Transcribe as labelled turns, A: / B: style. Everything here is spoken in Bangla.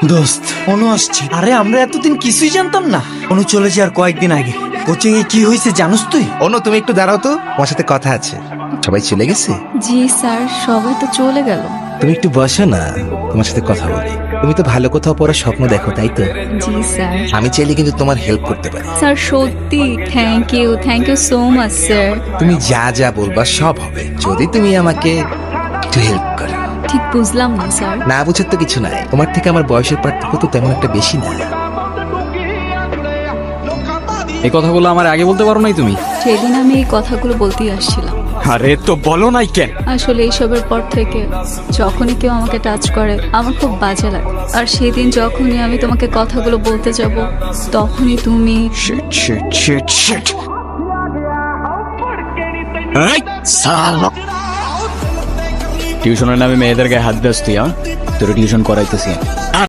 A: দোস্ত অনু আসছে। আরে আমরা এতদিন কিছুই জানতাম না। অনু চলে যাওয়ার কয়েকদিন আগে কোচিং এ কি হয়েছে জানোস তুই?
B: অনু তুমি একটু দাঁড়াও তো, তোমার সাথে কথা আছে। সবাই চলে গেছে?
C: জি স্যার, সবাই তো চলে গেল।
B: তুমি একটু বসো না, তোমার সাথে কথা বলি। তুমি তো ভালো কোথাও পড়ার স্বপ্ন দেখো, তাই তো?
C: জি স্যার।
B: আমি চাইলে কিন্তু তোমার হেল্প করতে পারি।
C: স্যার সত্যি thank you so much sir.
B: তুমি যা যা বলবা সব হবে, যদি তুমি আমাকে একটু হেল্প করো।
C: ঠিক বুঝলাম না স্যার।
B: না বুঝার তো কিছু নাই, তোমার থেকে আমার বয়সের পার্থক্য তো তেমন একটা বেশি না।
D: এই কথাগুলো আমার আগে বলতে পারো নাই তুমি?
C: সেদিন আমি এই কথাগুলো বলতেই আসছিলাম।
D: আরে তো বলো নাই কেন?
C: আসলে এইসবের পর থেকে যখনই কেউ আমাকে টাচ করে আমার খুব বাজে লাগে। আর সেদিন যখনই আমি তোমাকে কথাগুলো বলতে যাব তখনই তুমি
D: শিট শিট শিট শিট। এই সালা, টিউশনের নামে মেয়েদের গায়ে হাত দিস তুই? তোর টিউশন করাইতেছি। আর